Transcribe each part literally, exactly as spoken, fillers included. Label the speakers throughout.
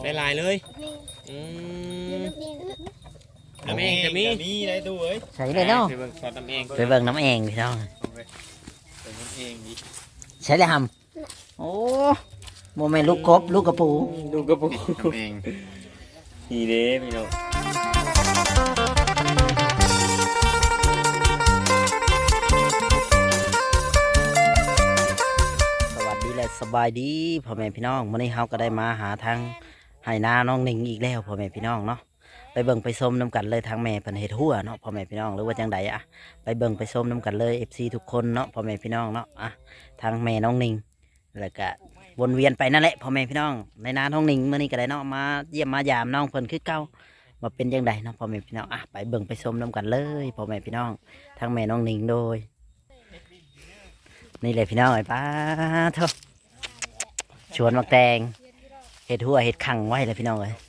Speaker 1: ใส่ลายเลยอืมน้ำเองจะมีมีอะไรดูเอ้ย
Speaker 2: ใส่เลยเนาะ
Speaker 1: ไปเบิ่งซอสน้ำเอง
Speaker 2: ไปเบิ่งน้ำเองพี่น้อง
Speaker 1: ไปน้ำเองดิ
Speaker 2: ใช่เลยหำโอ้โมเมนต์ลูกกบลูกกระปู
Speaker 1: ดูกระปุกน้ำเองนี่เด้พี่น้อง
Speaker 2: สวัสดีและสบายดีพ่อแม่พี่น้องวันนี้เราก็ได้มาหาทางไหนาน้องหนิงอีกแล้วพ่อแม่พี่น้องเนาะไปเบิ่งไปส้มน้ำกันเลยทางแม่เพิ่นเฮ็ดหัวเนาะพ่อแม่พี่น้องหรือว่าจังใดอะไปเบิ่งไปส้มน้ำกันเลย เอฟ ซี ทุกคนเนาะพ่อแม่พี่น้องเนาะอะทางแม่น้องหนิงแล้วก็วนเวียนไปนั่นแหละพ่อแม่พี่น้องในนาน้องหนิงมื้อนี้ก็ได้เนาะมาเยี่ยมมายามน้องเพิ่นคือเก่ามาเป็นจังใดเนาะพ่อแม่พี่น้องอะไปเบิ่งไปส้มน้ำกันเลยพ่อแม่พี่น้องทางแม่น้องหนิงโดยนี่เลยพี่น้องไอ้ป้าเถอะชวนมักแตงเห็ดหัวเห็ดขังไว้เลยพี่น้องเลย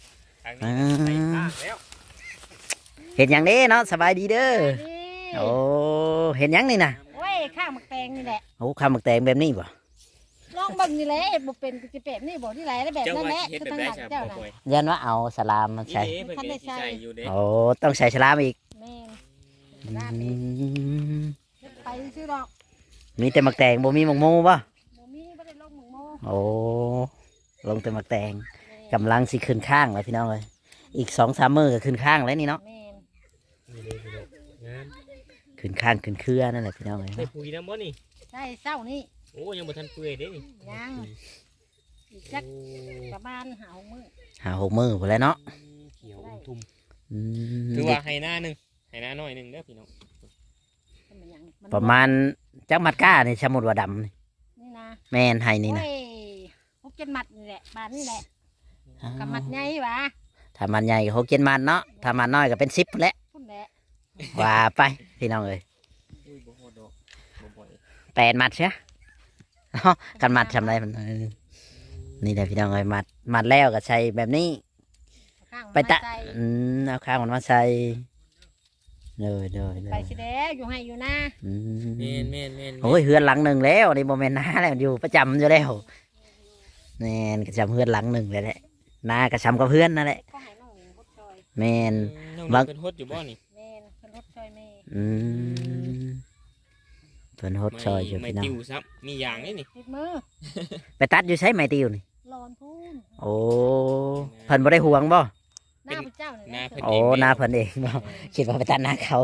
Speaker 2: เห็ดอย่างนี้เนาะสบายดีเด้อโอ้เห็ดยังนี่นะ
Speaker 3: โอ้ยข้าวหมักแตงนี่แหละ
Speaker 2: โอ้ข้าวมักแตงแบบนี้บ่
Speaker 3: ลองเบิ่งนี่แหละเห็ดบ่เป็นจะเป็ดนี่บ่ที่ไหนแล้วแบบ
Speaker 1: เจ้า
Speaker 3: นั้นแห
Speaker 1: ว่า
Speaker 3: ละ
Speaker 1: เฮ็ด
Speaker 3: คือ
Speaker 1: แบบ
Speaker 3: ทาง
Speaker 1: ได้
Speaker 3: นั้น
Speaker 1: ใช่
Speaker 3: เจ้า
Speaker 1: บ่
Speaker 3: น่ะ
Speaker 1: ป่วย
Speaker 2: ยันว่าเอาสลามมาใส่
Speaker 1: นี่เด้เพิ่นก็สิใส่อยู่เด้
Speaker 2: โอ้ต้องใส่สลามอีก
Speaker 3: แม่น
Speaker 2: อื
Speaker 3: ร้านนี้
Speaker 2: ม
Speaker 3: ไปซื้อดอก
Speaker 2: มีแต่มักแตงบ่มีมักโมบ่
Speaker 3: บ่มีบ่ได้ลงหมึงโม
Speaker 2: โอ้ลงแต่มักแตงกำลังสิขึ้นข้างเลยพี่น้องเลยอีกสองสามมื้อก็ขึ้นข้างแล้วนี่เนาะ
Speaker 3: แม่น
Speaker 1: นี่เด้พี่น้องงาม
Speaker 2: ขึ้นข้างขึ้นเครือนั่นแหละพี่น้องเลย
Speaker 1: ได้ปุ๋ยน้ำบ่นี่
Speaker 3: ใช่เช้านี่
Speaker 1: โอ้ยังบ่ทันเปื่อยเด้นี่
Speaker 3: ยังอีกจักประมาณหามื้อ
Speaker 2: หาหกมื้อพอแล้วเนาะ
Speaker 1: เขียวอมทุ่ม
Speaker 2: อืม
Speaker 1: ถือว่าให้หน้าหนึงให้หน้าน้อยหนึงเด้อพี่น้อง
Speaker 3: เป็นหยังน
Speaker 2: ประมาณจักมัดก้านี่สมมุติว่าดำนี่
Speaker 3: นี่นะ
Speaker 2: แม่นให้นี่นะ
Speaker 3: โอ้ยพวกเจ็ดมัดนี่แหละบานนี่แหละกับมัดใหญ่หวะ
Speaker 2: ถ้ามันใหญ่ก็หกเจ็ดมันเนาะถ้ามันน้อยก็เป็นสิบแหละ
Speaker 3: พุ่นแหละ
Speaker 2: ว่าไปพี่น้องเอ้ย
Speaker 1: อุ้ยบ่ฮอดดอกบ่บ่อย
Speaker 2: แปดมัดใช่กันมัดทำไรมันเออนี่แหละพี่น้องเอ้ยมัดมัดแล้วก็ใช้แบบนี้
Speaker 3: ข้างมัน
Speaker 2: ไปตะ
Speaker 3: มาใส่
Speaker 2: อืมเอาข้างมันมาใส่เลยเลยเล
Speaker 3: ไป
Speaker 2: ย
Speaker 3: สิแล้วอยู่ให้อยู่นะ
Speaker 2: อื
Speaker 1: แม่น
Speaker 2: ม
Speaker 1: แม่นแม่น
Speaker 2: โอ้ยเฮือนหลังหนึ่งแล้วนี่โมเมนต์น้าแล้วอยู่ประจำอยู่แล้วแม่นกระจำเฮือนหลังหนึ่งเลยแหละนากระชำกับเพื่อนนั่นแหละ
Speaker 3: ก็ให้น้องหนิงพดซอย
Speaker 2: แม่น
Speaker 1: น้อง
Speaker 2: บาง
Speaker 1: เป็นฮดอยู่บ่นี่
Speaker 3: แม่นเพิ่นพดซอยแม่
Speaker 2: อืมเพิ่นฮดซอยอยู่
Speaker 1: ไม่
Speaker 2: พี่น้อง
Speaker 1: ติวซับมีอย่างนี่นี่
Speaker 3: ติดมือ
Speaker 2: ไปตัดอยู่ใช้ไม้ติวนี่
Speaker 3: ร้อนพูน
Speaker 2: โอ้เพิ่นบ่ได้ห่วงบ่
Speaker 3: หน้าพระเจ้าเนี่ย
Speaker 1: หน้า
Speaker 3: นะ
Speaker 1: เพิ่น
Speaker 2: โอ้หน้าเพิ่นเองบ่คิดว่าไปตัดหน้าเขา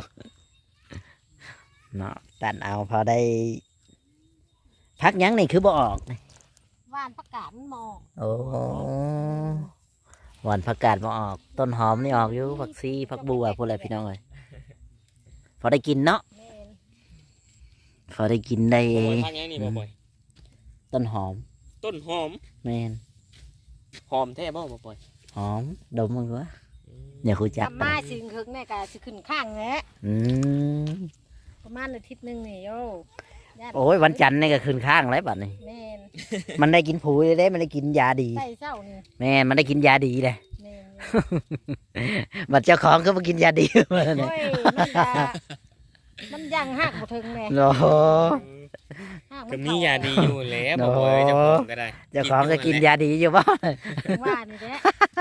Speaker 2: เนาะตัดเอาพอได้ พักหยังนี่คือบ่ออกนี่
Speaker 3: ว่านประกาศมันหมอก
Speaker 2: โอ้หวานผักกาดบ่ออก ต้นหอมนี่ออกอยู่ผักซีผักบัวพวกอะไรพี่น้องเอ้ยพอได้กินเนาะ
Speaker 3: แม่น
Speaker 2: พอได้กินได้
Speaker 1: บ่บ่อยทางยังนี่บ่บ่อย
Speaker 2: ต้นหอม
Speaker 1: ต้นหอม
Speaker 2: แม่น
Speaker 1: หอมแท้บ่บ่บ่อย
Speaker 2: หอมดมมันวะอย่าคุย
Speaker 3: ก
Speaker 2: จั
Speaker 3: ลั
Speaker 2: ก
Speaker 3: บมาสิงคึกเนี่ยก็สิขึ้นข้างแหละ
Speaker 2: อืม
Speaker 3: ประมาณอาทิตย์หนึงนี่โยญาติ
Speaker 2: โอ้ยวันจันทร์นี่ก็ขึ้นข้างแล้วบัดนี้
Speaker 3: แม่น
Speaker 2: มันได้กินปุ๋ยเลยเด้มันได้กินยาดี
Speaker 3: ใส่เช้านี่
Speaker 2: แม่นมันได้กินยาดีเลย
Speaker 3: แม่น
Speaker 2: บัดเจ้าของก็มากินยาดีมา
Speaker 3: โอ้
Speaker 2: เนี่ย
Speaker 3: ยมันก็มันยังหักบ่ถึงแม่
Speaker 2: โอ้โห
Speaker 3: หัก
Speaker 1: ก็
Speaker 3: มัน
Speaker 1: มี
Speaker 3: เข้าย
Speaker 1: าดีอยู่แล้วบ่บ่อยเจ้าของก็ได้
Speaker 2: เจ้าของก็กินยาดีอยู่บ่
Speaker 3: ว่านี่แหละ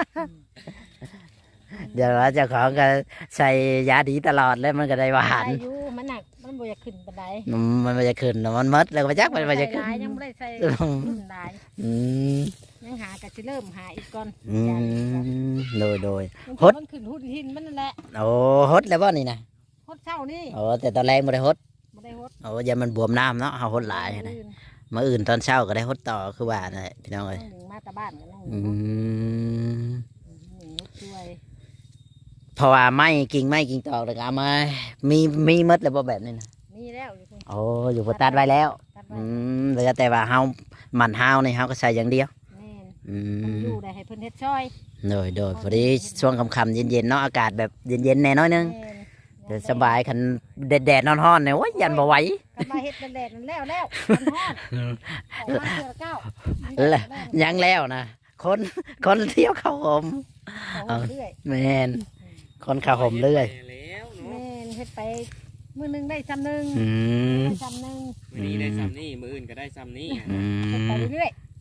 Speaker 2: เดี๋ยวว่าเจ้าของก็ใส่ยาดีตลอดแล้วมันก็ได้หวาน
Speaker 3: ใส่อยู่มันหนักมันบ่อยากขึ้นปานใด
Speaker 2: อืมมันไม่จะขึ้นแล้วมันมดแล้วก็ไปจักมันไม่จะขึ้น
Speaker 3: ใส่หลายยังบ่ได้ใส่
Speaker 2: อืม
Speaker 3: รุ่นหลาย
Speaker 2: อืม
Speaker 3: ยังหาก็สิเริ่มหาอีกก่อน
Speaker 2: อืมโดยโดย ฮ
Speaker 3: ฮ
Speaker 2: ด
Speaker 3: ดมันขึ้นหุ่นหินมันนั่นแหละ
Speaker 2: โอ้ฮดแล้วบ่นี่นะ
Speaker 3: ฮดเช้านี่
Speaker 2: โอ้แต่ตอนแรกไม่ได้ฮด
Speaker 3: บ่ได้ฮด
Speaker 2: โอ้ยามันบวมน้ำเนาะเฮาฮดหลายนะ
Speaker 3: อื่น
Speaker 2: มาอื่นตอนเช้าก็ได้ฮดต่อคือว่านั่นแหละพี่น้อง
Speaker 3: น้
Speaker 2: เอ้
Speaker 3: อย งหนึ่งมาแตาบ้านกันน้องห
Speaker 2: อื
Speaker 3: นึ่ง
Speaker 2: ม
Speaker 3: หนึ่งฮดช่วย
Speaker 2: เพราะว่าไม้กิ่งไม้กิ่งตอกแล้วก็เอามามีมีหมดแล้วบ่แบบนี้นะ
Speaker 3: มีแล้วอยู่คุณ
Speaker 2: โอ้อยู่บ่ตัดไว้แล้ว
Speaker 3: ตัดไว้
Speaker 2: อืมเหลือแต่ว่าเฮามันเฮานี่เฮาก็ใส่อย่างเดียว
Speaker 3: แม่น
Speaker 2: อื
Speaker 3: มัน
Speaker 2: ม
Speaker 3: อยู่ได้ให้เพิ่นเฮ็ดช่วย
Speaker 2: โดยโดยพอดีช่วงค่ำๆเย็นๆเนาะอากาศแบบเย็นๆแน่น้อยนึง
Speaker 3: แม่น
Speaker 2: เดี๋ยวสบายคันแดดๆนอนๆเนี่ยโอ้ยยันบ่ไหว
Speaker 3: กันมาเฮ็ดแดดๆนั่นแล้วแล้วมันฮอดออกมาเทื่อละเก้า
Speaker 2: แล้ว ยังแล้วนะคนคนเที่ยวเข้าหม
Speaker 3: เอาเรื่อย
Speaker 2: แมนคนเข้าหมเรื่อย
Speaker 1: แล้วเนาะ
Speaker 3: แม่นเฮ็ดไปมื้อหนึงได้ซ้ำหนึง
Speaker 2: อืม
Speaker 3: ได้ซ้ำหนึง
Speaker 1: มื้อนี้ได้ซ้ำนี่มื้ออื่นก็ได้ซ้ำนี่
Speaker 2: อื
Speaker 3: เฮ็ดไป
Speaker 2: ม
Speaker 3: เรื่อย
Speaker 2: โ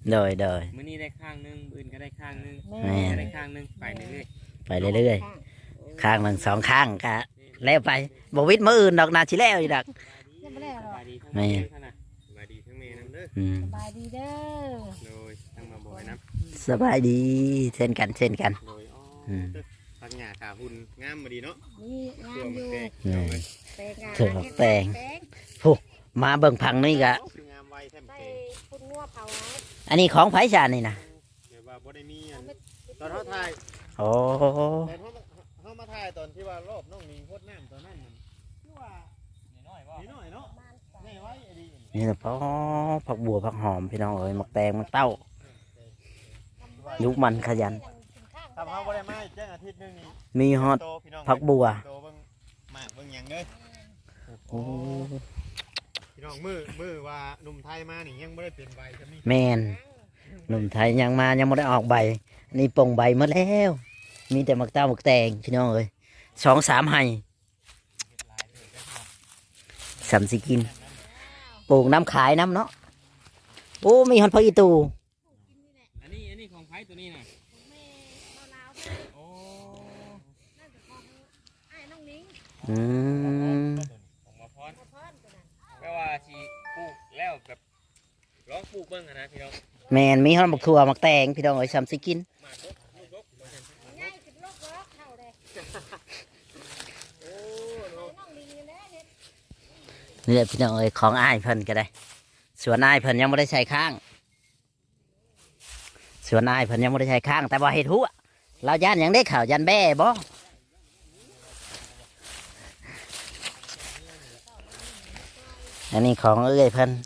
Speaker 2: โดยโดย
Speaker 1: มื้อนี้ได้ข้างหนึงมื้ออื่นก็ได้ข้างหนึง
Speaker 3: แม่
Speaker 2: แม่
Speaker 1: ได้ข้างหนึงไปเรื่อย
Speaker 2: ไปเรื่อยๆข้างหนึ่งสองข้างก็แล้วไปบ่วิทย์มื้ออื่นดอกนาชิแล้วอีกดอก
Speaker 3: ยังไม่ได้
Speaker 1: ๆ
Speaker 3: หร
Speaker 1: ส
Speaker 3: อก
Speaker 1: บายดีทั้ง
Speaker 2: แม่
Speaker 1: แม่ท่านน่ะสบายดีทั้งแม่นํเด้อ
Speaker 2: อืม
Speaker 3: สบายดีเด้อ
Speaker 1: โดยทั้งมาบ่อยนํ
Speaker 2: สบายดีเช่นกันเช่นกัน
Speaker 1: โดยอ๋อ
Speaker 2: อืม
Speaker 1: พักหญ้าขาหุ่นงามบ่ดีเนาะ
Speaker 3: นี่งา
Speaker 1: ตัว
Speaker 3: มอ
Speaker 1: มัน
Speaker 3: ยู่
Speaker 1: แตก
Speaker 2: อืม
Speaker 3: แปลงงาน
Speaker 2: เถื่อแปลง
Speaker 3: แปลง
Speaker 2: มาเบิ่งพังนี่ก็
Speaker 1: คืองามไวแท้
Speaker 3: ใส่
Speaker 1: แตก
Speaker 3: คุณงัวเผาไว้
Speaker 2: อันนี้ของไผชานี่นะ
Speaker 1: เดี๋ยวว่าบ่ได้มีอันตอนเฮาถ่าย
Speaker 2: โอ้
Speaker 1: ตอนเฮาเฮามาถ่ายตอนที่ว่ารอบน้องนิงโคตรน้ำตอนนั้นมันคือว่าน้อยๆบ่น้อยๆเนาะแน่ไว้ไอ้ดี
Speaker 2: นี่นะพ่อผักบัวผักหอมพี่น้องเอ้ยมักแตงมักเต้ายุกมันขยัน
Speaker 1: ทำเฮาบ่ได้มาแจ้งอาทิตย์นึงนี่
Speaker 2: มีฮอด
Speaker 1: โตพี่น้อง
Speaker 2: ผักบัว
Speaker 1: โตเบิ่งหมากเบิ่งหยังเด้อ
Speaker 2: โอ้
Speaker 1: พี่น้องมือมือว่าหนุ่มไทยมานี่ยังบ่ได้เปลี่ยนใบใช่มั้ย
Speaker 2: แมนหนุ่มไทยยังมายังไม่ได้ออกใบ นี่ปลงใบหมดแล้ว มีแต่มักเต้ามักแตงพี่น้องเอ้ยสองสามไห้สามสิกินปลูกน้ำขายน้ำเนาะโอ้มีฮอนพออีตู
Speaker 1: อันนี้อันนี้ของไผตัวนี้น่ะโอ้
Speaker 3: ไอ้น้องนิ้ง
Speaker 2: อืม
Speaker 1: ของมาพรแปลว่าสิปลูกแล้วแบบลองปลูกเบิ่งอะนะพี่น้อง
Speaker 2: แมนมีฮอนมักถั่วมักแตงพี่น้องเอ้ยสามสิกิน
Speaker 1: หมากรกลูกรกบ่ใช่
Speaker 3: ง่ายสิบโลกล็อกเท่าเลย
Speaker 1: โอ้เนาะ
Speaker 3: น้องนิ้งนี่แหละเนี่ย
Speaker 2: นี่แหละพี่น้องเอ้ยของอ้ายเพิ่นก็ได้สวนอ้ายเพิ่นยังไม่ได้ใช้ข้างสวนอ้ายเพิ่นยังไม่ได้ใช้ข้าง แต่ว่าเห็ดหัวเราย่านหยังได้ข่าวยันแบ่บ่อันนี้ของเอ้ยเพิ่น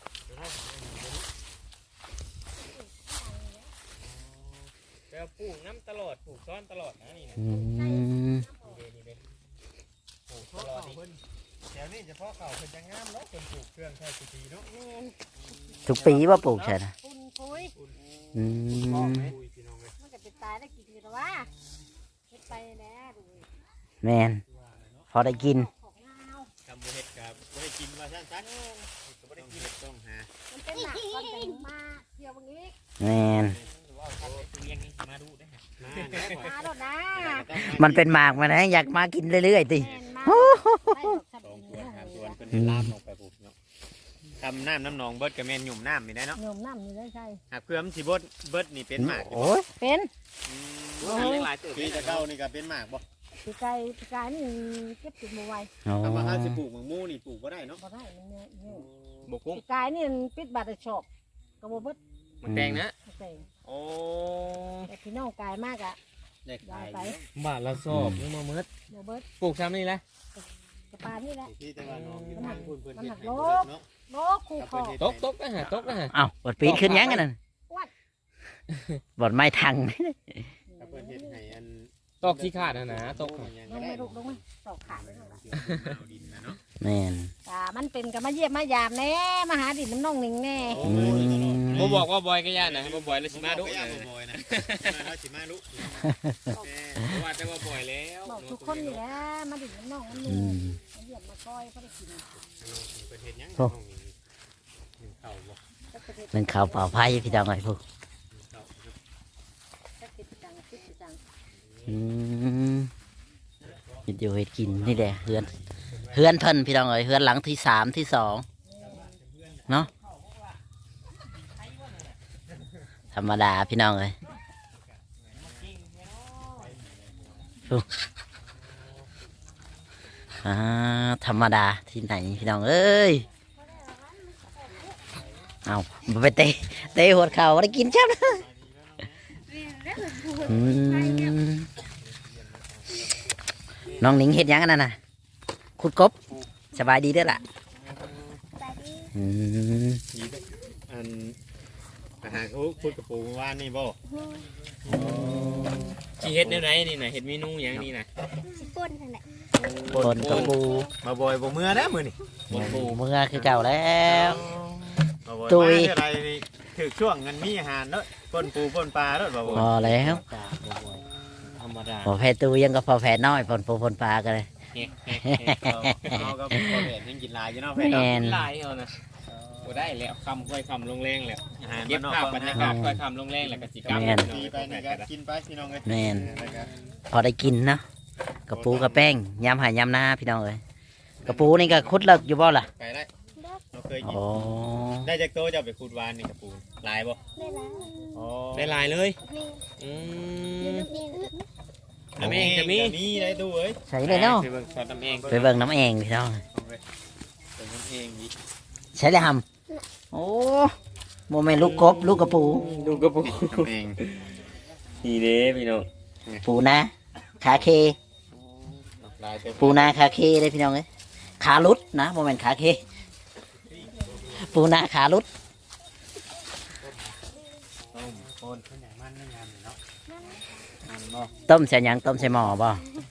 Speaker 1: แปลว่าปลูกน้ำตลอดปลูกซ้อนตลอดนะนี่นะ
Speaker 2: อืม
Speaker 1: นี่เด้นี่เด้ปลูกตลอดนี่แถวนี้เฉพาะเก่าเพิ่นจะงามเนาะเพิ่นปลูกเครื่องใช้สุตีเนาะ
Speaker 3: แม่น
Speaker 2: ทุกปีว่าปลูกใช่นะ
Speaker 3: ปุ่นปุ้ย
Speaker 2: อื
Speaker 1: พ่อ
Speaker 2: ม
Speaker 1: แม่คุยพี่น้องเลย
Speaker 3: มันจะเป็นตายได้กี่ทีแล้ววะเฮ็ดไปแล้วดู
Speaker 2: แมนพอได้กิน
Speaker 3: ของงาว
Speaker 1: ทำบ่เฮ็ดกับบ่ได้กินว่าซั่นซักก็บ่ได้กินต้องหา
Speaker 3: มันเป็นหนักก่อนเป็นมาเที่ยววันนี้
Speaker 2: แมน
Speaker 1: ว่าเขาเลี้ยงนี่มาดูได้ฮะมาแน่บ่
Speaker 3: มาโดดนะ
Speaker 2: มันเป็นหมากมานะอยากมากินเรื่อยๆติ
Speaker 3: แม่นมาได้ดอกสับ
Speaker 1: สอง
Speaker 3: ปะ
Speaker 1: ตั
Speaker 3: ร
Speaker 1: ว
Speaker 3: ด
Speaker 1: สามตัวเพิ่นลามลงไปปุ๊บเนาะทำน้ำน้ำหนองเบิดกับแม่นหยุ่มน้ำนี่ได้เนาะ
Speaker 3: โยมน้ำนี่ได้ใช่
Speaker 1: หากเพื่อมันสิเบิดเบิดนี่เป็นหมาก
Speaker 2: โอ้ย
Speaker 3: เป็น
Speaker 1: หลายตัวปีตะเก้านี่ก็เป็นหมากบ่
Speaker 3: ปีกายปีกายนี่เก็บติดมาไว้
Speaker 2: โอ้
Speaker 1: ถ้าว่าเฮาสิปลูกมังมูนี่ปลูกบ่ได้เนาะ
Speaker 3: บ่ได้มันเนี่ยเนี่ย
Speaker 1: บ่กุ้ง
Speaker 3: ปีกายนี่มันปิดบัตรชอบกระโบเบิด
Speaker 1: มันแดงนะ
Speaker 3: ไม่ใช่
Speaker 1: โอ้
Speaker 3: แต่พี่น้องกายมากอะ
Speaker 1: ได้ขาย
Speaker 3: ได้ไป
Speaker 1: บาทละสอบนึงมาเมิด
Speaker 3: โบเบิด
Speaker 1: ปลูกซ้ำนี่แหละ
Speaker 3: กระปานี่แหละ
Speaker 1: ที่แต่ว่าน้องอยู่ทางพุ่นเพิ่น
Speaker 3: มัน
Speaker 1: เฮ็
Speaker 3: หั
Speaker 1: ด
Speaker 3: ก
Speaker 1: ให้
Speaker 3: โล
Speaker 1: เบิด
Speaker 3: ก
Speaker 1: เนาะ
Speaker 3: โลกคู่คอ
Speaker 1: ตกตกนะฮะตกนะฮะ
Speaker 2: เอ้าบดปีนขึ้นยังกันนั่นบดไม้ทัง
Speaker 1: ถ้าเพิ่นเฮ็ดให้อัน
Speaker 4: ตกที่ขาดนะนะตก
Speaker 3: ลงไม่ลุกลงไม่ตอกขาดเลยล่ะ
Speaker 1: เอาดินนะเนาะ
Speaker 2: แม่น
Speaker 3: อ่ามันเป็นกับมาเยี่ยมมายามแน่มาหาดินน้ำน่องหนิงแน่
Speaker 2: อืม
Speaker 4: บ่บอกว่าบอยก็ย่านนะบ่บอยแล้วสิมาดุ
Speaker 1: ย่า
Speaker 4: นะ
Speaker 1: บ่บ่อยนะมาสิมาดุ
Speaker 4: เพราะว่าแต่ว่าบอยแล้ว
Speaker 3: บอกทุกคนอยู่แล้วมาดินน้ำน่องมันมี
Speaker 2: อืม
Speaker 3: มาเยี่ยมมาก้อยเขาได้กิน
Speaker 1: เพิ่นเฮ็ดหยังน้องนี่เข้าบ่
Speaker 3: สักประเทศ
Speaker 2: เป็นข่าวเปล่าไพ่พี่น้องไอ้พวก
Speaker 1: เข้า
Speaker 3: สักติดจังติดจัง
Speaker 2: อืมเฮ็ดอยู่เฮ็ดกินนี่แหละเฮือนเฮือนเพิ่นพี่น้องเอ้ยเฮือนหลังที่สามที่สองเนาะธรรมดาพี่น้องเอ้ยอ่าธรรมดาที่ไหนพี่น้องเอ้ยเอาบ่ไปเตะเตะหัวเข่าได้กินใช่ไหมอืมน้องหนิงเห็ดหยังอันนั่นน่ะขุดกบสบายดีเด้อล่ะอืม
Speaker 1: อันอาหารเขาพูดกับปูเมื่อวานนี่บ่
Speaker 4: สิเฮ็ดแนวไหนนี่น่ะเฮ็ดเมนูหยังนี่น่ะ
Speaker 3: ป้นนั่นแหละ
Speaker 2: คนกระปู
Speaker 1: มาบ่อยบ่เมื่อนะมื้อนี่
Speaker 2: เมื่อคือเก่าแล้ว
Speaker 1: มาบ่อย
Speaker 2: ตุ้ย
Speaker 1: มาอะไรนี่ถึกช่วงเงินมีอาหารเนาะป่นปูป่นปลาเนาะบ่บ่
Speaker 2: พอแล้ว
Speaker 4: ธรรมดา
Speaker 2: พอแพ้ตูยังก็พอแพ้น้อยพอนปูพนปลากันเลย
Speaker 1: เอาเอาก็บ่แม่นยังกินหลายอยู่เนาะแฟน
Speaker 2: แม
Speaker 1: เนาะ
Speaker 2: น
Speaker 4: หลายเอานะ
Speaker 1: แ
Speaker 4: บ่ได้แล้วคำค่อยคำลงแรงแล้ว
Speaker 1: อาหาร
Speaker 4: เก็บ
Speaker 1: นอก
Speaker 4: ภาพ
Speaker 1: บ้
Speaker 4: บรรยากาศค่อยคำลงแรงแล้วก็สิกลับ
Speaker 1: ดีไปนี่ก็กินไปพี่น้องเอ้ย
Speaker 2: แม่น
Speaker 1: แล้วก็
Speaker 2: พอได้กินเนาะกระปูกระแป้งยำหายยำหน้าพี่น้องเอ้ยกระปูนี่ก็คุดเลิกอยู่บ่ล่ะ
Speaker 1: ไปได้เราเคยกิน
Speaker 2: โอ้
Speaker 1: ได้จากโตะจะเอาไปขุดวานนี่กระปูลายบ่
Speaker 3: ได้แล้ว
Speaker 1: อ๋อ
Speaker 4: ได้ลายเลย
Speaker 3: นี่
Speaker 4: อื
Speaker 3: อยู่
Speaker 4: ม
Speaker 3: นี่
Speaker 4: น้ำเองจะมี
Speaker 1: มีได้ตู้เอ้ย
Speaker 2: ใส่เลยเนาะ
Speaker 4: ไปเบิ่งซอสน้ำเอง
Speaker 2: ไปเบิ่งน้ำเองพี่น้อง
Speaker 1: เอาไปเป็นน้ำเองอีก
Speaker 2: ใช้เลยหำโอ้โมเมนต์ลูกกบลูกกระปู
Speaker 4: ดูกระปุก
Speaker 1: น้ำเอง
Speaker 4: นี่เด้พี่น้อง
Speaker 2: ปูนาขาเค
Speaker 1: ลายเต็ม
Speaker 2: ปูนาขาเคเลยพี่น้องเอ้ยขาลุดนะโมเมนต์ขาเคปูนาขาลุด
Speaker 1: ต้มโคนขนาดมันไม่งามเลยเนาะมันบ่
Speaker 2: ต้มใส่หยังต้มใส่หม้อบ่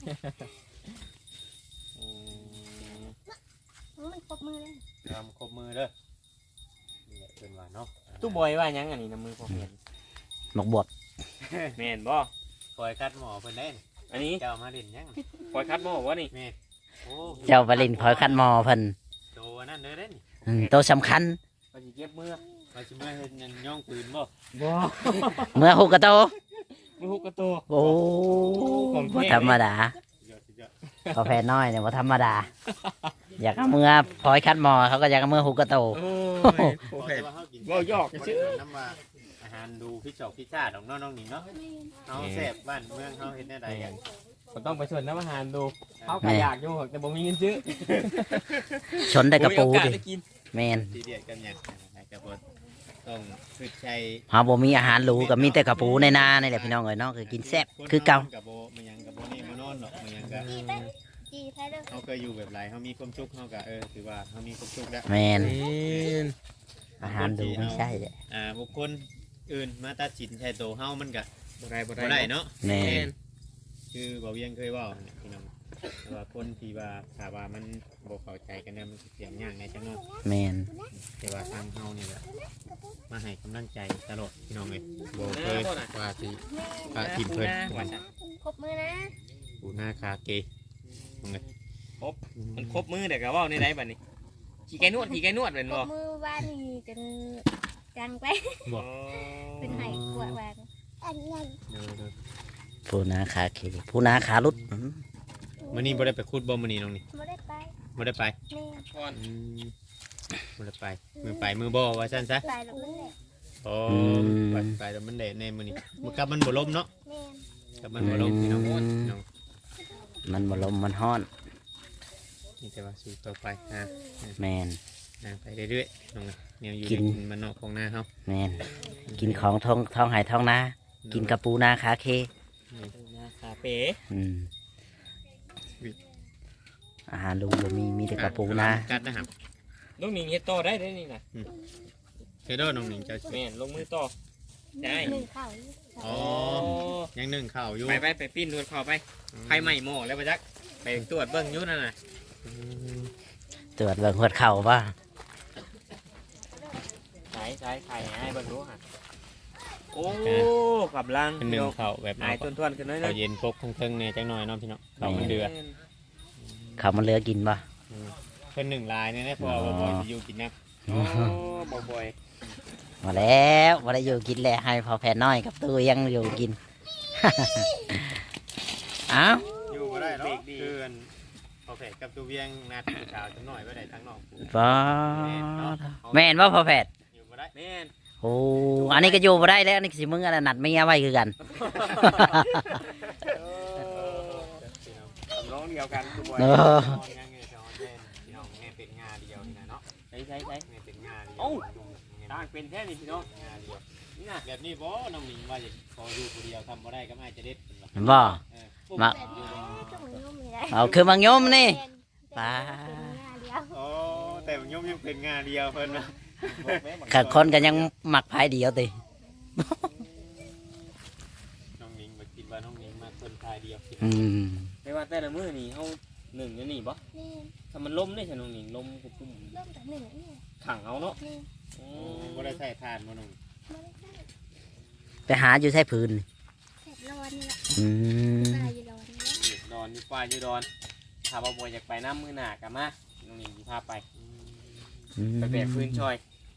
Speaker 1: อืม
Speaker 3: มันปรบมือเลย
Speaker 1: ทำครบมือเด้อนี่แหละเป็นว่าเนาะ
Speaker 4: ตู้บอยว่าหยังอันนี้น้ำมือพอเห็น
Speaker 2: หมกบวบ
Speaker 4: แม่นบ่
Speaker 1: ปล่อยคัดหมอเพิ่นได้นี่
Speaker 4: อันนี้
Speaker 1: เจ้ามาเด่นยัง
Speaker 4: ปล่อยคัดบ่วะนี่
Speaker 1: แม่โอ้
Speaker 2: เจ้าบรินพอยคันหม้อเพิ่น
Speaker 1: โตนั่นเด้อเด้นี่
Speaker 2: อืมตัวสำคัญ
Speaker 4: ว่าสิเก็บมือ
Speaker 1: ว่าสิมาเฮ็ดหยังย่องปืนบ่
Speaker 4: บ่
Speaker 2: เมื่อหุกกระโต
Speaker 4: มือฮุกกระตัว
Speaker 2: โอ้บ่ธรรมดา
Speaker 1: สุดยอดสุดยอด
Speaker 2: กาแฟน้อยเนี่ยบ่ธรรมดา อยากเอามือพอยคันหม้อเขาก็อยากเอามือหุกกระโต
Speaker 4: โอ้ย
Speaker 1: โอเคว่าเฮากิน
Speaker 4: เว้ายอก
Speaker 1: บ่
Speaker 4: ซื่
Speaker 1: ได้
Speaker 4: อ
Speaker 1: น้ำว่าอาหารดูพิจอกพิชาติของน้องๆนี่เนาะเฮาแซ่บบ้านเมืองเฮาเฮ็ดแนวใดกัน
Speaker 4: ผมต้องไปชวนน้ำอาหารดูเขาก็อยากอยู่แต่บ่มีเงินซื้อ
Speaker 2: ชนได้กระปู
Speaker 4: บ่มีโอกาส
Speaker 2: ดิ
Speaker 4: ได้กิน
Speaker 2: แมน
Speaker 1: ทีเดียดกันหยังก็บ่ต้องฝึกใช้
Speaker 2: เฮาบ่มีอาหารหรูก็มีแต่กระปูในนานี่แหละพี่น้องเอ้ยเนาะคือกินแซ่บคือเก่า
Speaker 1: กับโบมันยังกับโบนี่มานอนเนาะมันยังก็
Speaker 3: จีไปจีไปเลย
Speaker 1: เขาเคยอยู่แบบไรเขามีความสุขเขาก็เออถือว่าเขามีความสุขแล้ว
Speaker 2: แมน
Speaker 4: แม่น
Speaker 2: อาหารดูไม่ใช่แหละ
Speaker 1: อ่าบุคคลอื่นมาตัดสินใช้ตัวเฮามันก็
Speaker 4: บ่ได้บ่
Speaker 1: บ่
Speaker 4: ได้
Speaker 1: ได้เนาะ
Speaker 2: แม
Speaker 4: แม่
Speaker 2: น
Speaker 4: น
Speaker 1: คือบ่เวียงเคยเว่าเนี่ยพี่น้องแต่ว่าคนที่ว่าถ้าว่ามันบ่เข้าใจกันเนี่ยมันสิเสียงยากในจังเนาะ
Speaker 2: แมน
Speaker 1: แต่ว่าทางเฮานี่แหละมาให้กำลังใจตลอดพี่น้องเอ้ยบ่เคยว่าสิว่าทีมเพิ่น
Speaker 4: ว่าซั่น
Speaker 3: ปรบมือนะ
Speaker 1: ปูหน้าคาเกน้องเอ้ย
Speaker 4: มันครบมือเดี๋ยวก็เว้าในใดบัดนี้ขี่ไก่นวดขี่ไก่นวดเป็น
Speaker 3: ปร
Speaker 4: บ่
Speaker 3: บมือบ้านนี่จนจังไป
Speaker 1: บอก
Speaker 3: เป็นไห้กวดวานอันนั้น
Speaker 1: เด้อเด้อ
Speaker 2: ผู้นาขาเคผู้นาขาลุดอืม
Speaker 1: มื้อนี้บ่ได้ไปขุดบ่มื้อนี้น้องนี่
Speaker 3: ไม่ได้ไป
Speaker 1: บ่ได้ไป
Speaker 3: นี่
Speaker 4: ก่อน
Speaker 1: อืมมือไปมือไปมือบ่ว่าซั่นซะ
Speaker 3: ไปแล้วนั่นแหละ
Speaker 1: โอ้ไปไปแล้วมันเละในมือนี้มือกับมันบ่ล้มเนาะ
Speaker 3: แม่
Speaker 1: กับมันบ่ล้มพี่น้องพี่น้อง
Speaker 2: มันบ่ลมมันฮ้อน
Speaker 1: นี่แต่ว่าสู้ต่อไปอ่า
Speaker 2: แมน
Speaker 1: อ่าไปเรื่อยๆน้องแนวอยู่
Speaker 2: กิน
Speaker 1: ในมันนอกของหน้าเฮา
Speaker 2: แมนกินของท้องท้องหายท้องนากินกระปูนาขาเค
Speaker 4: คาเฟ่
Speaker 2: อืมอาหารลุงบ่มีมีแต่กระปูนา
Speaker 1: กัดนะครับ
Speaker 4: ลูกหนิงเฮ็ดต่อได้ได้นี่น่ะ
Speaker 1: เทโดน้องหนิงเจ้า
Speaker 4: แม่นลงมือต่อได้
Speaker 3: หนึ่งข้าว
Speaker 1: อ๋อยังนึ่งข้าวอยู่
Speaker 4: ไปไปไปปิ้นดูดเข้าไปไฟไหม้หม้อแล้วบ่จักไปตรวจเบิ่งอยู่นั่นน่ะ
Speaker 1: อืม
Speaker 2: ตรวจเบิ่งหัวเข่าป่ะ
Speaker 4: ใช้ใช้ไข่ให้เบิ่งดูฮะโอ้กำลัง
Speaker 1: เป็นนึ่งข้าวแบบ
Speaker 4: หายต้นๆขึ้นน้อย
Speaker 1: ข้าวเย็นพกทั้งเทิงเนี่ยจังหน่อยเนาะพี่น้องข้าวมันเดือด
Speaker 2: เข่ามันเหลือกินป่ะ
Speaker 1: เพิ่นหนึ่งลายเนี่ยนะเพราะว่าบ่อยสิอยู่กินนะ
Speaker 4: โอ้บ่บ่อย
Speaker 2: มาแล้วมาได้อยู่กินแล้วให้พอแผ่น้อยกับตู้ยังอยู่กิน เอ้า
Speaker 1: อยู่บ่ได้เนาะคืออันพอแผดกับตัวเวียงนัดผู้สาวจังหน่อยบ่ได้ทางนอกผู้
Speaker 2: ป้าแม่นว่าพอแผ่
Speaker 1: อยู่บ่ได้
Speaker 4: แม่น
Speaker 2: โอ้อันนี้ก็อยู่มาได้แล้วนี่สิมึงอะไรนัดไม่เงี้ยไว้คือกัน
Speaker 4: ร้องเดียวกันคือบ่อย
Speaker 2: เออ
Speaker 1: เป็นงาเดียวนี่นะเนาะ
Speaker 4: ใช้ใช้ใช้
Speaker 1: เป็นงาเดียว
Speaker 4: เอ้า ต่างเป็นแท้นี่พี่น้อง
Speaker 1: งาเดียว
Speaker 4: นี่น่ะ
Speaker 1: แบบนี้บ่น้องหนิงว่าจะพออยู่คนเดียวทำบ่ได้ก็ไม่จะเด็ด
Speaker 2: บ่
Speaker 1: มา
Speaker 3: แบบนี้ต้องยุ่งไม่ได้
Speaker 2: เอาคือมังยมนี่
Speaker 3: ปลาเดียว
Speaker 1: โอ้แต่มันยมยังเป็นงาเดียวเพิ่นนะ
Speaker 2: กับคนกันยังหมักพายเดียวติ
Speaker 1: น้องหนิงมากินว่าน้องหนิงมาคนทายเดียว
Speaker 2: อืม
Speaker 4: ไม่ว่าแต่ละมื้อนี่เฮาหนึ่งอยู่นี่บ่
Speaker 3: นี่
Speaker 4: ถ้ามันล้มได้ฉันน้องหนิงล้มกุปุ่ม
Speaker 3: เริ่มจากหนึ่งนี่
Speaker 4: ขังเอาเนาะ
Speaker 3: นี่
Speaker 4: โอ้
Speaker 1: บ่ได้ใส่ทานบ่น้อง
Speaker 3: ไม่ได้ใส่
Speaker 2: ไปหาอยู่ใช้พื้น
Speaker 3: เสร็จร้อนนี่แหละ
Speaker 2: อืม
Speaker 3: ตายอยู่ร้อนนี่แหละ
Speaker 4: ดอนอยู่ป่าอยู่ดอนถ้าบ่บ่อยากไปน้ำมื้อหน้าก็มาน้องหนิงสิพาไป
Speaker 2: อืม
Speaker 4: ไปแบกพื้นช่อย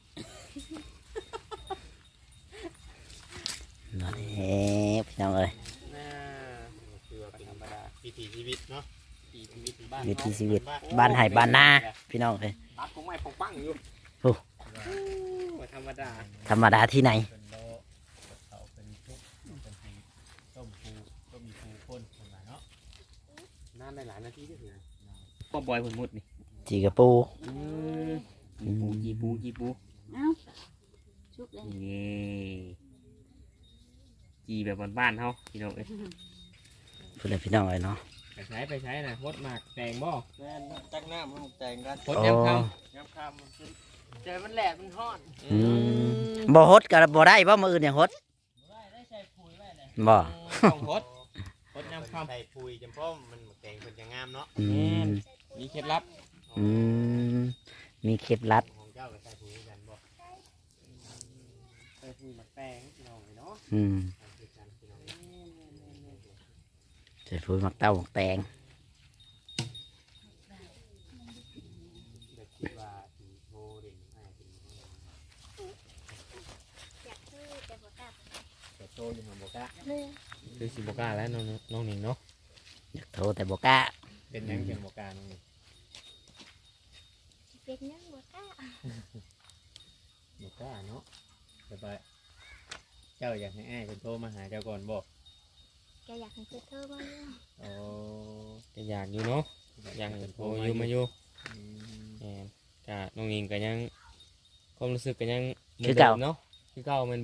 Speaker 2: นั่นเองพี่น้องเอ้ย
Speaker 1: น่าคือว่าเป็นธรรมดาวิถีชีวิตเนาะวิถีชีวิตบ้าน
Speaker 2: วิถีชีวิตบ้านไห่บ้านนาพี่น้องเอ้ย
Speaker 4: ตัดผมไม่ปงปังอยู่
Speaker 2: โอ้
Speaker 4: บ่ธรรมดา
Speaker 2: ธรรมดาที่ไหน
Speaker 1: เป็นโลเขาเป็นทุกเป็นให้ต้มฟูต้มมีฟูคนคนละเนาะ
Speaker 4: นานได้หลายนาทีที่ถึงก็บอยผลมุดนี่
Speaker 2: จีกระปู
Speaker 4: อืมจีปูจีปู
Speaker 3: เอ้าชุกเลย
Speaker 4: นี่จีแบบบ้านๆเฮาพี่น้องเอ้ย
Speaker 2: เพื่อนพี่น้องเอ้ยเนาะ
Speaker 4: ไปใช้ไปใช้นะมดหมากแตงบ่
Speaker 1: แม่นจักน้ำมันแต่งกัน
Speaker 4: มดยำค
Speaker 1: ย้ำคำมันขึ้นเจอมันแหลมมันห้อน
Speaker 4: ำ
Speaker 2: อืมบ่ฮดกับบ่ได้บ่มืออื่นอย่างฮด
Speaker 1: ได้ได้ใส่ปุ๋ยไว้เลย
Speaker 2: บ่
Speaker 4: ต้องมดมดยำค
Speaker 1: ใส่ปุ๋ยจำพ่อมันแต่งเป็นจะงามเนาะ
Speaker 2: อืม
Speaker 4: ำมีเคล็ดลับ
Speaker 2: อืมมีเคล็ดลับ
Speaker 1: ของเจ้าก็ใส่ปุ๋ยกันบ่ใส่ปุ๋ยมาแต่งพี่น้องเลยเนาะ
Speaker 2: อืม
Speaker 1: ใส่กันพี่น้อง
Speaker 2: ใส่ปุ๋ยหมักเต้าหมักแตง
Speaker 1: เด็กคิดว่าสีโทเด่นให้เป็น
Speaker 3: อยากซื้อแต่บ่กล้า
Speaker 1: แต่โตอยู่หัวบกะ
Speaker 3: เลย
Speaker 4: คือสิบกล้าแล้วน้องน้องหนิงเนาะ
Speaker 2: อยากโทรแต่บ่กล้า
Speaker 1: เป็นยังเป็นบกะน้องนี่
Speaker 3: เป็นยังบ่กล้า
Speaker 1: บกะเนาะแต่ว่าเจ้าอยากให้อ้ายคนโทรมาหาเจ้าก่อนบ่
Speaker 3: แกอยากให้เธอเธอมาเนี่ย
Speaker 1: โอ้
Speaker 4: ก็อยากอยู่เนาะอยากเห็นโทรอยู่มาอยู่
Speaker 1: อืม
Speaker 4: แหมก็น้องหนิงก็ยังความรู้สึกก็ยังหมืนดิมเนาะคือเก่าแม่นบ่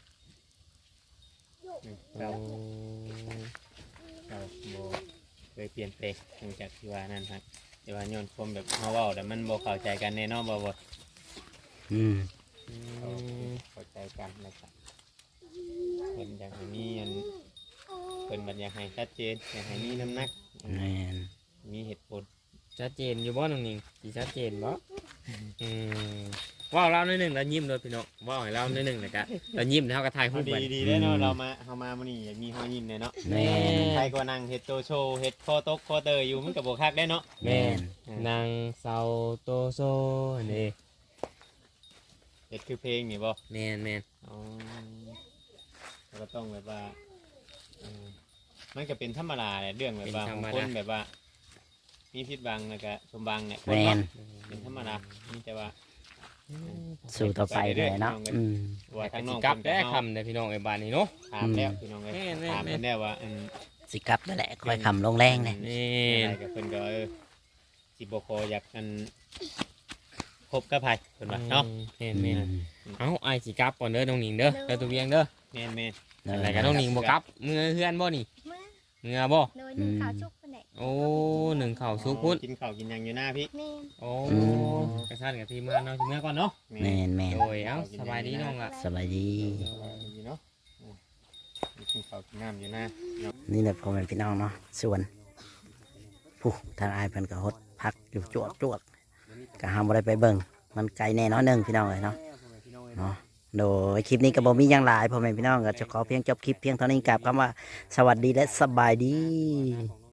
Speaker 1: เจ้า
Speaker 4: โอ้
Speaker 1: เจ้าบ่เคยเปลี่ยนแปลงหลังจากที่ว่านั่นครับแต่ว่าย้อนความแบบเฮาเว้าแต่มันบ่เข้าใจกันแน่เนอนบ่บ่
Speaker 2: อืม
Speaker 4: อืม
Speaker 1: เข้าใจกันนะครับเพิ่นอยากให้มีอันเพิ่นบัดอยากให้ชัดเจนอยากให้มีน้ำหนัก
Speaker 2: แม่น
Speaker 1: มีเหตุผล
Speaker 4: ชัดเจนอยู่บ่น้องหนิงสิชัดเจนบ่อืมว้าวเล่าหนิดหนึ่งแล้วยิ้มเลยพี่น้องว้าวให้เล่าหนิดหนึ่งนะกะแล้วยิ้มแล้วเขาก็ถ่ายรู
Speaker 1: เอา
Speaker 4: ป
Speaker 1: ดี
Speaker 4: ไว้
Speaker 1: ดีได้เนาะเรามาเฮามามื้อนี้อยากมีห้อยยิ้มเลยเนาะ
Speaker 2: แม่น
Speaker 1: ใครก็นั่งเฮ็ดโตโชว์เฮ็ดคอตกคอเตยอยู่มันก็บ่คักได้เนาะ
Speaker 2: แม่น
Speaker 4: นางเซาโตโซนี่
Speaker 1: เฮ็ดคือเพลงนี่บ่
Speaker 4: แมนแมน
Speaker 1: อ๋อแล้วก็ต้องแบบว่าเออมันก็เป็นธรรมดาแหละเรื่องแบบว่าบางคนแบบว่า มีผิดบังแล้วก็สมบังเนี่ยคน
Speaker 2: แม่น
Speaker 1: เนาะเป็นธรรมดามีแต่ว่า
Speaker 2: สู่ต่อไปเลยเนาะอืม
Speaker 1: ว่า
Speaker 4: ทา
Speaker 1: ทาง ง
Speaker 4: น้
Speaker 1: น้
Speaker 4: อ
Speaker 1: อง ง
Speaker 4: กลับ
Speaker 1: เพิ่น
Speaker 4: ได้
Speaker 1: ก็เฮา
Speaker 4: คำเลยพี่น้องไอ้บ้านนี้เนาะ
Speaker 1: ถามแล้วพี่น้องเอ้ย
Speaker 4: แม่นแม่น
Speaker 1: ถามเพิ่นแล้วว่าอัน
Speaker 2: สิกลับนั่นแหละค่อยคำลงแรงเนี่ย
Speaker 4: นี่
Speaker 1: อะไรกับเพิ่นก็เออสิบ่ขออยากอันคบกับไผเพิ่นว่าเนาะ
Speaker 4: แมนแมนเอ้าไอ้สิกลับก่อนเด้อน้องหนิงเด้อเด้อตัวเวียงเด้อ
Speaker 1: แม่นแม่น
Speaker 4: อะไรกันน้องหนิงบ่กลับเมื่อเฮือนบ่นี่
Speaker 3: เมื่อ
Speaker 4: เมื่อบ่
Speaker 3: โดยหนึ่งข่าวชุกคนไหน
Speaker 4: โอ้หนึ่งเข่าซุกพุ่น
Speaker 1: กินข้าวกินหยังอยู่หน้าพี่
Speaker 3: แม่น
Speaker 4: โอ้กระชันกับทีมงานเราสิเมื่อก่อนเนาะ
Speaker 2: แม่นแม่น
Speaker 4: โดยเอ้าสบายดีน้องล่ะ
Speaker 2: สบายดี
Speaker 1: ดีเนาะอืมกินข้าวกินน้ำอยู่หน้า
Speaker 2: นี่แหละพ่อแม่พี่น้องเนาะส่วนผู้ทางอายเพิ่นก็ฮดพักอยู่จวดจวดก็ห้ามบ่ได้ไปเบิ่งมันไกลแน่น้อยหนึงพี่น้องเอ้ยเนาะเนาะโดยคลิปนี้ก็บ่มีหยังหลายพ่อแม่พี่น้องก็จะขอเพียงจบคลิปเพียงเท่านี้กับคำว่าสวัสดีและสบายดี